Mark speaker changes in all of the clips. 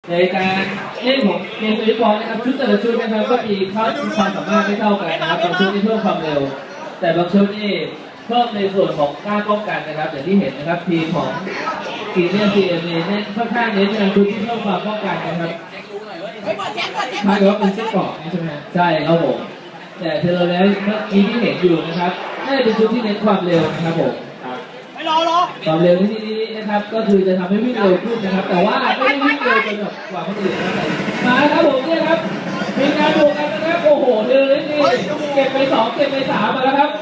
Speaker 1: ในการเล่นของเกมฟุตบอลนะครับชุดแต่ละชุดนะครับก็มีความสามารถไม่เท่ากันนะครับบางชุดนี่เพิ่มความเร็วแต่บางชุดนี่เพิ่มในส่วนของการป้องกันนะครับอย่างที่เห็นนะครับทีมของซีเนียร์ซีเอ็มเน้นค่อนข้างเน้นในชุดที่เพิ่มความป้องกันนะครับ
Speaker 2: หมายถึงว่าเป็นเส้นเกาะใช่ไหมฮะ
Speaker 1: ใช่ครับผมแต่เทเลเลสเมื่อกี้ที่เห็นอยู่นะครับน่าจะเป็นชุดที่เน้นความเร็วนะครับผม
Speaker 2: ไม่รอ
Speaker 1: ความเร็วที่นี้นะครับก็คือจะทำให้วิ่งเร็วขึ้นนะครับแต่ว่าไม่ได้วิ่งเร็วจนแบบกว่าคนอื่นนะครับมาครับผมเนี่ยครับมีการบวกกันนะครับโอ้โหเทเลเลสนี่เก็บไป2เก็บไป3มาแล้วครับ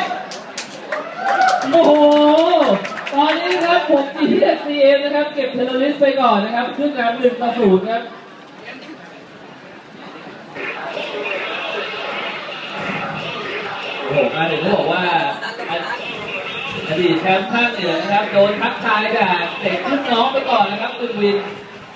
Speaker 1: โอ้โหตอนนี้นะครับผมGTSCMนะครับเก็บเทเลเลสไปก่อนนะครับขึ้นนำ1-0ครับโอ้โหมาถึงก็บอกว่าอดีตแชมป์ภาคเหนือนะครับโดนทักทายจากเด็กรุ่นน้องไปก่อนนะครับตึงวิน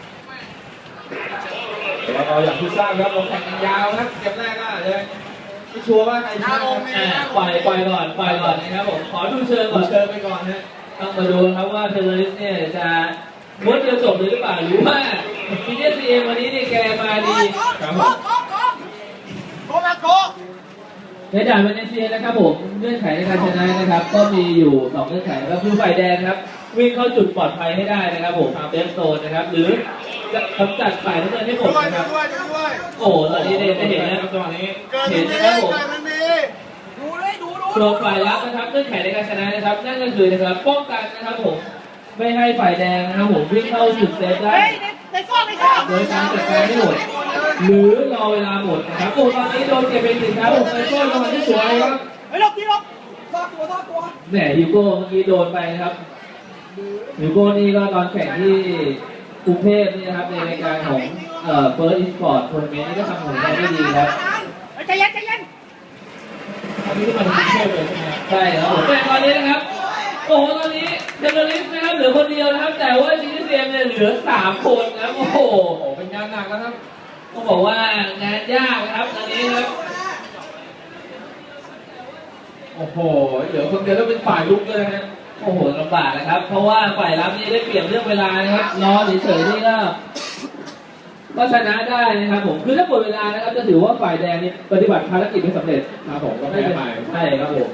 Speaker 3: เราอย่างที่ทราบครับเราแข่งกันยาวครับเกมแรกก็เลยไม่ชัวร์ว่าใครชนะ
Speaker 1: ปล่อยก่อนนะครับผมขอดูเชิญก่อน
Speaker 3: เชิญไปก่อนนะ
Speaker 1: ต้องมาดูครับว่าเทเลอริสเนี่ยจะม้วนเดียวจบหรือเปล่าหรือว่าGTSCMวันนี้เนี่ยแกมาดีครับผมในด่านเวเนเซียนะครับผมเงื่อนไขในการชนะนะครับก็มีอยู่2เงื่อนไขก็คือฝ่ายแดงครับวิ่งเข้าจุดปลอดภัยให้ได้นะครับผมเซฟโซนนะครับหรือจะกำจัดฝ่ายน้ำเงินให้หมดนะครับโอ้ตอนนี้ได้เห็นแล้วจังหวะนี้เห็นนะครับผมตัวฝ่ายรับนะครับเงื่อนไขในการชนะนะครับนั่นก็คือนะครับป้องกันนะครับผมไม่ให้ฝ่ายแดงนะครับผมวิ่งเข้าจุดเซฟได้โดยการจัดการให้หมดหรือรอเวลาหมดนะครับโอ้ตอนนี้โดนเก็บเป็นสินค้าผมไปโก้จังหวะที่สวยครับ
Speaker 2: ลบซอกตัว
Speaker 1: แหมฮิวโก้เมื่อกี้โดนไปนะครับฮิวโก้นี่ก็ตอนแข่งที่กรุงเทพนี่นะครับในรายการของเฟิร์สอีสปอร์ตทัวร์นาเมนต์นี่ก็ทำผลงานได้ดีครับ
Speaker 2: ใจเย็น
Speaker 1: อันนี้ก็มาถึงกรุงเทพเลยใช่ไหมใช่ครับผมแต่ตอนนี้นะครับโอ้โหตอนนี้เจเนอเรสนะครับเหลือคนเดียวนะครับแต่ว่าGTSCMเนี่ยเหลือ3คนนะโอ้โห
Speaker 3: เป็นงานหนักแล้วครับ
Speaker 1: ต้องบอกว่างานยากนะครับตอนนี้ครับ
Speaker 3: โอ้โหเหลือคนเดียวแล้วเป็นฝ่ายลุกเลยนะ
Speaker 1: โอ้โหลำบากนะครับเพราะว่าฝ่ายรับนี่ได้เปรียบเรื่องเวลานะครับรอเฉยๆนี่ก็ชนะได้นะครับผมคือถ้าหมดเวลานะครับจะถือว่าฝ่ายแดงนี่ปฏิบัติภารกิจไม่สำเร็จ
Speaker 3: ครับผมก็ไม่ไป
Speaker 1: ใช่ครับผม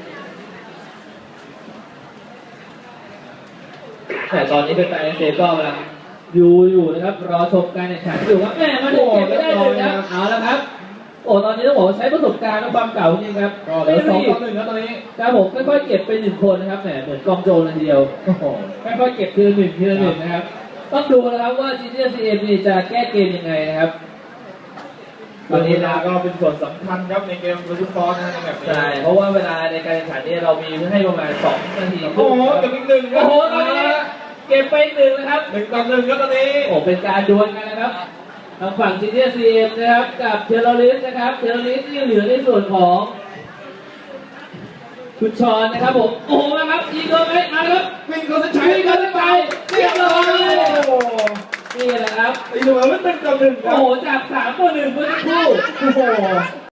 Speaker 1: แต่ตอนนี้เป็นแฟนเซฟก็กำลังอยู่นะครับรอชมการแข่งขันอยู่ครับแม่มาถึงเก็บไม่ได้เลยนะเอาแล้วครับโอ้ตอนนี้ต้องบอกใช้ประสบการณ์และความเก่าจริงครับ
Speaker 3: ก็เหลือ2-1แล้วตอนนี้
Speaker 1: ครับผมค่อยๆเก็บไป1คนนะครับแหมเหมือนกองโจรเลยทีเดียวค่อยๆเก็บทีละ1นะครับต้องดูนะครับว่าGTSCMนี่จะแก้เกมยังไงนะครับ
Speaker 3: ตอนนี้ก็เป็นส่วนสำคัญครับในเกมฟุตบอลนะแบบ
Speaker 1: ใช่เพราะว่าเวลาในการแข่งขันนี่เรามีให้ประมาณ2 นาที
Speaker 3: โอ้โหเก็บอีก1
Speaker 1: โอ้โหตอนนี้เก็บไป1นะครับ
Speaker 3: 1-1ครับตอนนี้
Speaker 1: โอ้เป็นการดวลกันนะครับทางฝั่งGTSCMนะครับกับเทเลอริสนะครับเทเลอริสที่เหลือในส่วนของคุณชอนนะครับผมโอ้โหนะครับยิงโดนไหมมาครับ
Speaker 3: วิ่งเขาจะใช้
Speaker 1: เขาจะไปเรียบร้อยนี่แหละครับ
Speaker 3: ไอ้หนูมันเป็น1-1
Speaker 1: โอ้โหจาก3-1เมื่อสักครู่
Speaker 3: โอ้โห